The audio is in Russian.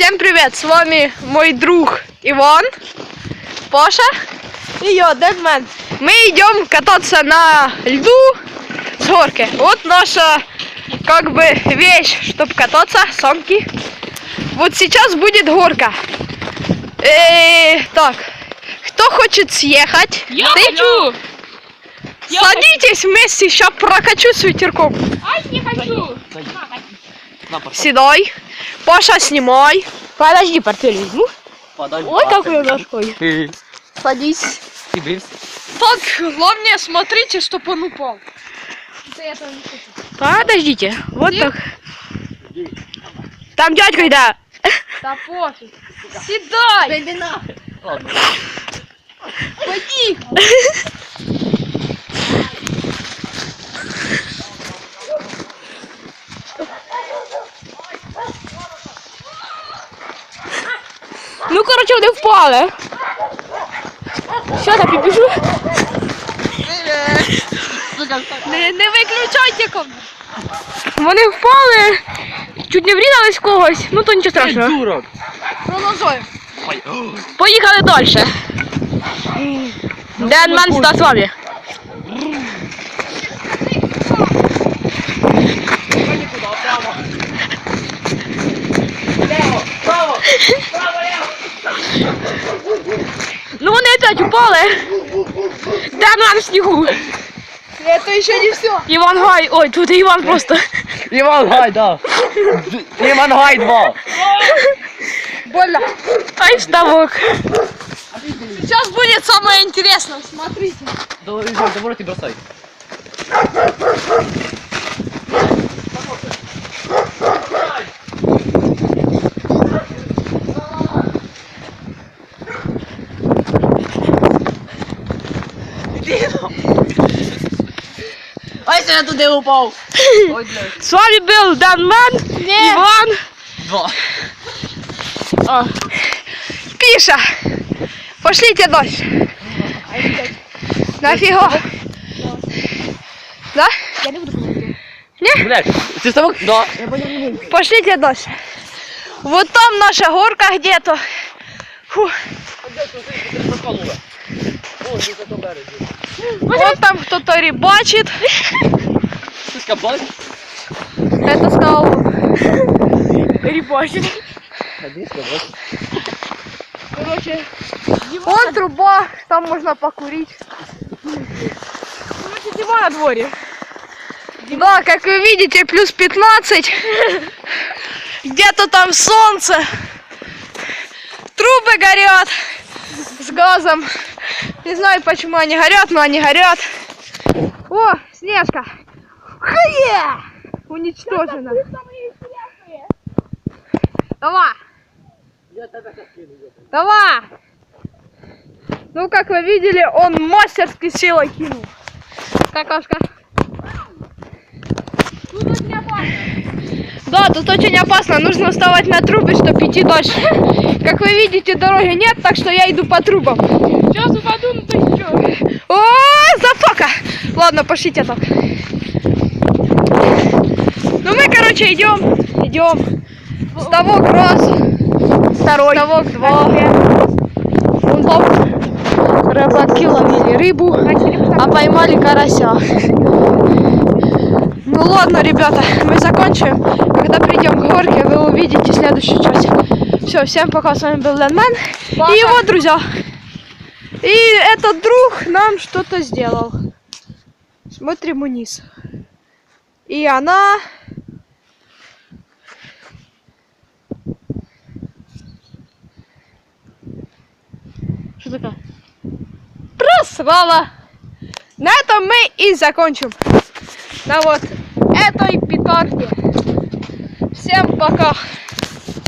Всем привет, с вами мой друг Иван, Паша и я, Дэдмен. Мы идем кататься на льду с горки. Вот наша как бы вещь, чтобы кататься, санки. Вот сейчас будет горка. Так, кто хочет съехать? Я хочу! Садитесь вместе, сейчас прокачу с ветерком. Ай, не хочу! Седай. Паша, снимай. Подожди, портфель возьму. Ой, какой ножкой. Садись. Так, главное, смотрите, чтобы он упал. Подождите, вот Нет. так. Там дядька, да. Да пофиг. Седай. Пойди. Ну, короче, вони впали. Що там, підбіжу? Не виключайте камеру. Вони впали, чуть не врізались в когось, ну то нічого страшного. Продовжуємо. Поїхали далі. Дэдмен сюди з вами. Ну вони опять упали. Дэдмен в снігу. Это еще не все. Іван Гай, ой, тут Іван просто. Иван Гай, да. Иван Гай 2. Больно. Ай, вставок. Сейчас будет самое интересное. Смотрите. Давай ты бросай. Ой, я туди упав. Ой, блядь. С вами был Дэдмен, Иван. 2. Пиша. Пошлите дальше. Нафига? Да? Я не буду. Блядь, ты ставок? Да. Пошлите дальше. Вот там наша горка где-то. Фу. Вот там кто-то рыбачит. Ты скопал? Это сказал он. Рибачит. Короче, вон труба, там можно покурить. Короче, зима на дворе. Да, как вы видите, плюс 15. Где-то там солнце. Трубы горят с газом. Не знаю, почему они горят, но они горят. О, Снежка. Хе! Уничтожена. Давай. Давай. Ну, как вы видели, он мастерски силой кинул. Какашка. Да, тут очень опасно. Нужно вставать на трубы, чтобы идти дальше. Как вы видите, дороги нет, так что я иду по трубам. Сейчас упаду, ну то что? О, зафока! Ладно, пошлите так. Ну мы, короче, идем. Ставок раз, Второй. ставок два. Вон там рыбаки ловили рыбу, а поймали карася. Ну ладно, ребята, мы закончим. Когда придем к горке, вы увидите следующую часть. Все, всем пока, с вами был Дэдмен и его друзья. И этот друг нам что-то сделал. Смотрим вниз. И она... Что такое? Просрала. На этом мы и закончим. На вот этой петарде. Всем пока.